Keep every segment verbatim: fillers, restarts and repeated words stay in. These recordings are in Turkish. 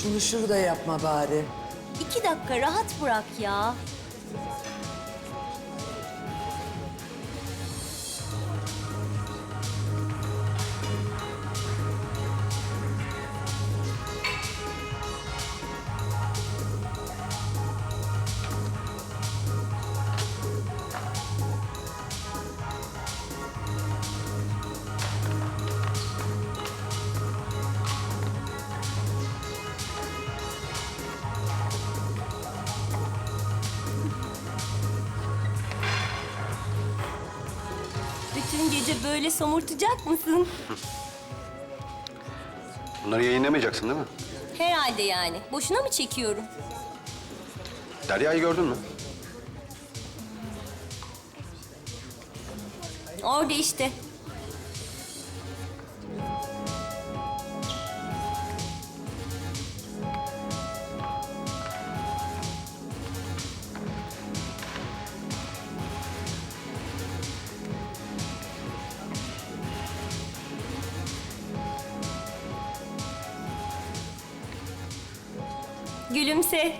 şunu şurada yapma bari. İki dakika rahat bırak ya. Bütün gece böyle somurtacak mısın? Bunları yayınlamayacaksın değil mi? Herhalde yani. Boşuna mı çekiyorum? Derya'yı gördün mü? Orada işte. Gülümse.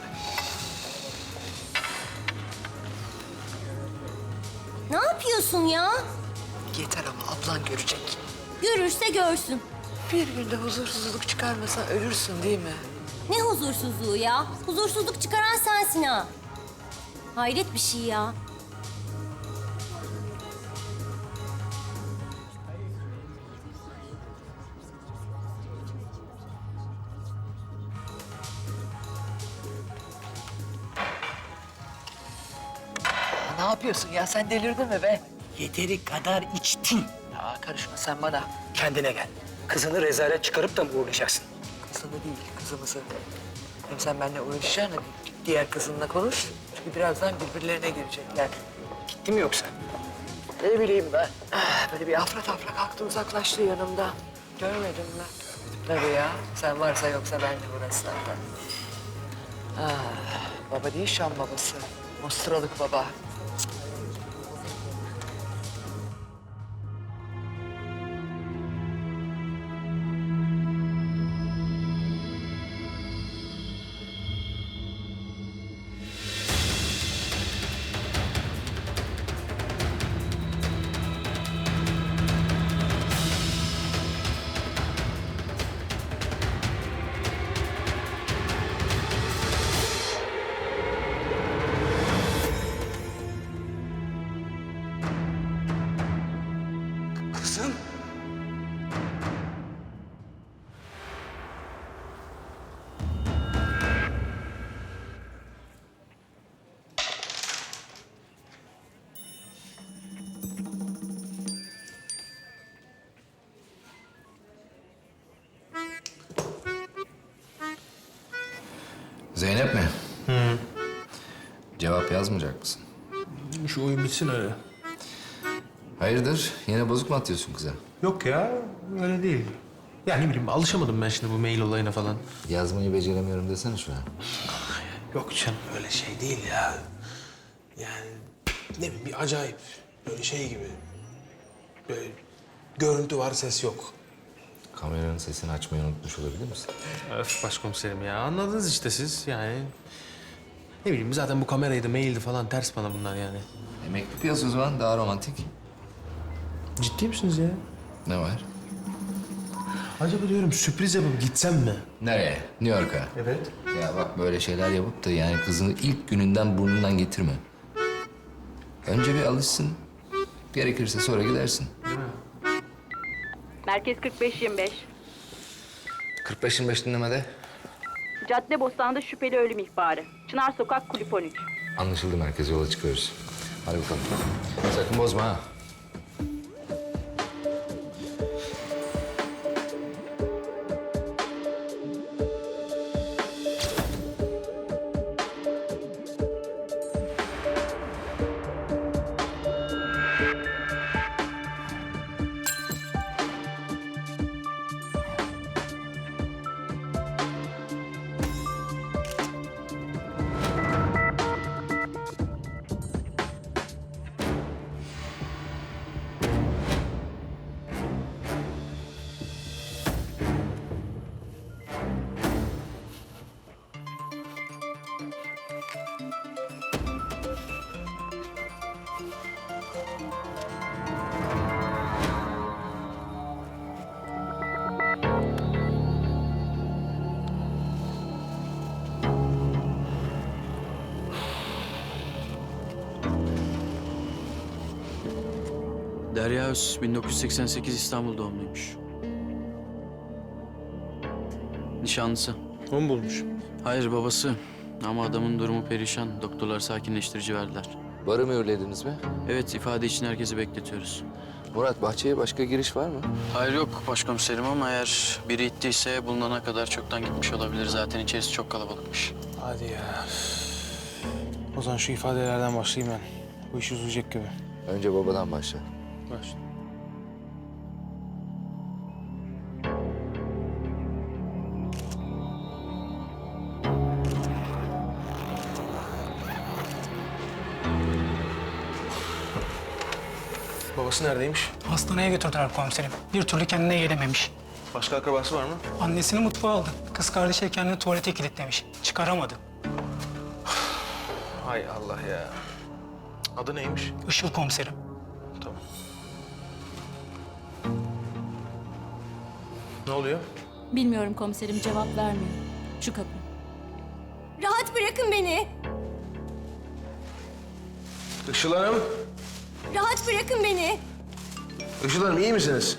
Ne yapıyorsun ya? Yeter ama ablan görecek. Görürse görsün. Bir günde huzursuzluk çıkarmasan ölürsün değil mi? Ne huzursuzluğu ya? Huzursuzluk çıkaran sensin ha. Hayret bir şey ya. Ne yapıyorsun ya? Sen delirdin mi be? Yeteri kadar içtin. Ya karışma sen bana. Kendine gel. Kızını rezalet çıkarıp da mı uğurlayacaksın? Kızını değil, kızımızı. Hem sen benimle uğraşacaksın da diğer kızınla konuş. Çünkü birazdan birbirlerine girecekler. Gitti mi yoksa? Ne bileyim ben. Ah, böyle bir afra tafra kalktı uzaklaştı yanımda. Görmedin mi? Tabii ya. Sen varsa yoksa ben de burası zaten. Ah, baba değil Şam babası. Mostralık baba. Kızım. Zeynep mi? Hı. Cevap yazmayacak mısın? Şu oyun bitsin öyle. Hayırdır? Yine bozuk mu atıyorsun kıza? Yok ya, öyle değil. Ya ne bileyim, alışamadım ben şimdi bu mail olayına falan. Yazmayı beceremiyorum desene şu an. Yok canım, öyle şey değil ya. Yani ne bileyim, bir acayip. Böyle şey gibi. Böyle görüntü var, ses yok. Kameranın sesini açmayı unutmuş olabilir misin? Öf başkomiserim ya, anladınız işte siz yani. Ne bileyim, zaten bu kameraydı, maildi falan ters bana bunlar yani. E, mektup yaz o zaman, daha romantik. Ciddi misiniz ya? Ne var? Acaba diyorum sürpriz yapıp gitsem mi? Nereye? New York'a. Evet. Ya bak böyle şeyler yapıp da yani kızını ilk gününden burnundan getirme. Önce bir alışsın. Gerekirse sonra gidersin. Merkez kırk beş yirmi beş. kırk beş yirmi beş dinlemede. Caddebostan'da şüpheli ölüm ihbarı. Çınar Sokak Kulüp on üç. Anlaşıldı, merkeze yola çıkıyoruz. Hadi bakalım. Sakın bozma ha. Derya Öz bin dokuz yüz seksen sekiz İstanbul doğumluymuş. Nişanlısı. O mu bulmuş? Hayır, babası. Ama adamın durumu perişan. Doktorlar sakinleştirici verdiler. Barı mühürlediniz mi? Evet, ifade için herkesi bekletiyoruz. Murat, bahçeye başka giriş var mı? Hayır yok başkomiserim ama eğer biri ittiyse bulunana kadar çoktan gitmiş olabilir. Zaten içerisi çok kalabalıkmış. Hadi ya. O zaman şu ifadelerden başlayayım ben. Bu iş uzayacak gibi. Önce babadan başla. Başla. Babası neredeymiş? Hastaneye götürdüler komiserim. Bir türlü kendine gelememiş. Başka akrabası var mı? Annesini mutfağa aldı. Kız kardeşi de kendini tuvalete kilitlemiş. Çıkaramadı. Hay Allah ya. Adı neymiş? Işıl komiserim. Tamam. Ne oluyor? Bilmiyorum komiserim, cevap vermiyor. Şu kapı. Rahat bırakın beni. Işıl Hanım. Rahat bırakın beni. Işıl Hanım iyi misiniz?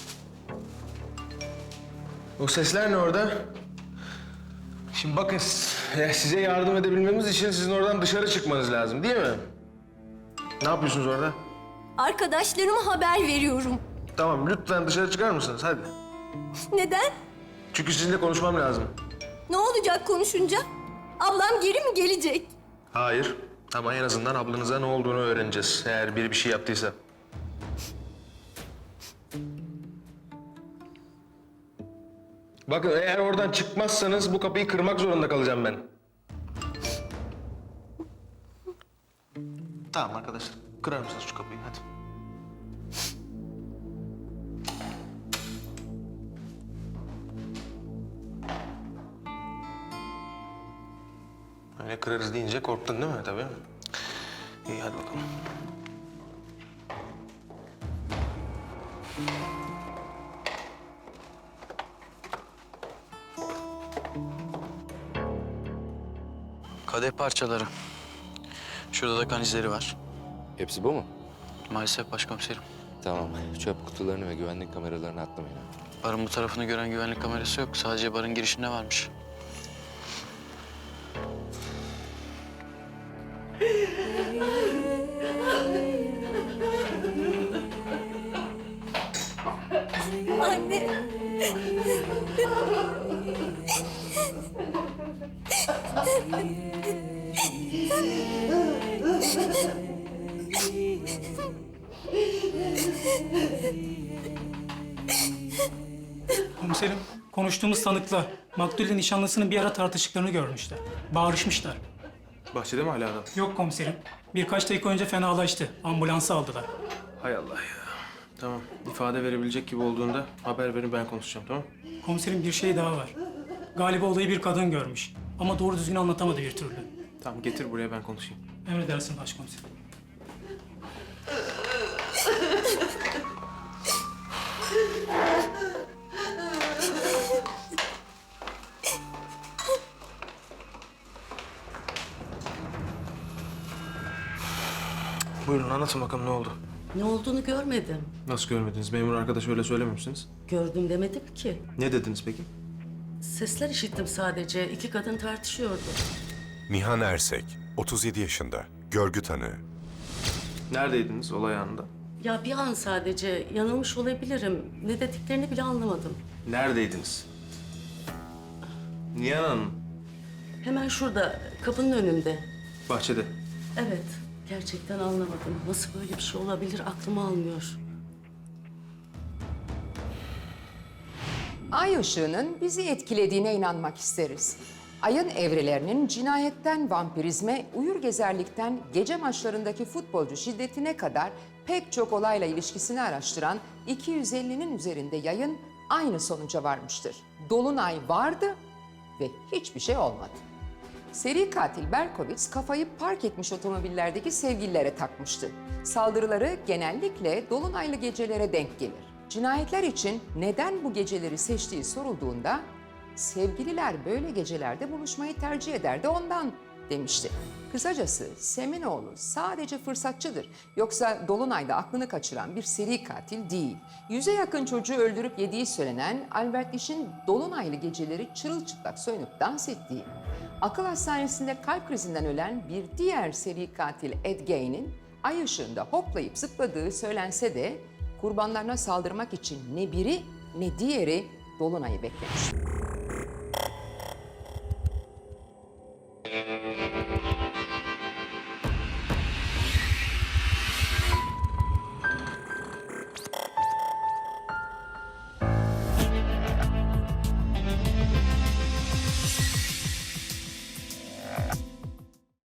O sesler ne orada? Şimdi bakın ya size yardım edebilmemiz için sizin oradan dışarı çıkmanız lazım değil mi? Ne yapıyorsunuz orada? Arkadaşlarıma haber veriyorum. Tamam lütfen dışarı çıkar mısınız hadi. Neden? Çünkü sizinle konuşmam lazım. Ne olacak konuşunca? Ablam geri mi gelecek? Hayır ama en azından ablanıza ne olduğunu öğreneceğiz eğer biri bir şey yaptıysa. Bakın eğer oradan çıkmazsanız bu kapıyı kırmak zorunda kalacağım ben. Tamam arkadaşlar. Kırar mısınız şu kapıyı hadi. Öyle kırarız deyince korktun değil mi tabii? İyi hadi bakalım. Kadeh parçaları. Şurada da kan izleri var. Hepsi bu mu? Maalesef başkomiserim. Tamam. Çöp kutularını ve güvenlik kameralarını atlamayın. Barın bu tarafını gören güvenlik kamerası yok. Sadece barın girişinde varmış. Anne. Komiserim, konuştuğumuz tanıkla maktulle nişanlısının bir ara tartıştıklarını görmüşler. Bağırışmışlar. Bahçede mi hala adam? Yok komiserim. Birkaç dakika önce fenalaştı. Ambulansa aldılar. Hay Allah ya. Tamam. ifade verebilecek gibi olduğunda haber verin ben konuşacağım tamam? Komiserim bir şey daha var. Galiba olayı bir kadın görmüş. Ama doğru düzgün anlatamadı bir türlü. Tamam getir buraya ben konuşayım. Emredersin başkomiserim. Buyurun anlatın bakalım ne oldu? Ne olduğunu görmedim. Nasıl görmediniz? Memur arkadaş öyle söylememişsiniz. Gördüm demedim ki. Ne dediniz peki? Sesler işittim sadece. İki kadın tartışıyordu. Nihan Ersek, otuz yedi yaşında, görgü tanığı. Neredeydiniz olay anında? Ya bir an sadece yanılmış olabilirim. Ne dediklerini bile anlamadım. Neredeydiniz? Nihan Hanım. Hemen şurada, kapının önünde. Bahçede. Evet, gerçekten anlamadım. Nasıl böyle bir şey olabilir aklım almıyor. Ay ışığının bizi etkilediğine inanmak isteriz. Ayın evrelerinin cinayetten vampirizme, uyur gezerlikten gece maçlarındaki futbolcu şiddetine kadar pek çok olayla ilişkisini araştıran iki yüz ellinin üzerinde yayın aynı sonuca varmıştır. Dolunay vardı ve hiçbir şey olmadı. Seri katil Berkowitz kafayı park etmiş otomobillerdeki sevgililere takmıştı. Saldırıları genellikle dolunaylı gecelere denk gelir. Cinayetler için neden bu geceleri seçtiği sorulduğunda sevgililer böyle gecelerde buluşmayı tercih ederdi ondan demişti. Kısacası Semenoğlu sadece fırsatçıdır. Yoksa Dolunay'da aklını kaçıran bir seri katil değil. Yüze yakın çocuğu öldürüp yediği söylenen Albert İş'in Dolunaylı geceleri çırılçıplak soyunup dans ettiği, akıl hastanesinde kalp krizinden ölen bir diğer seri katil Ed Gein'in ay ışığında hoplayıp zıpladığı söylense de kurbanlarına saldırmak için ne biri ne diğeri Dolunay'ı beklemiş.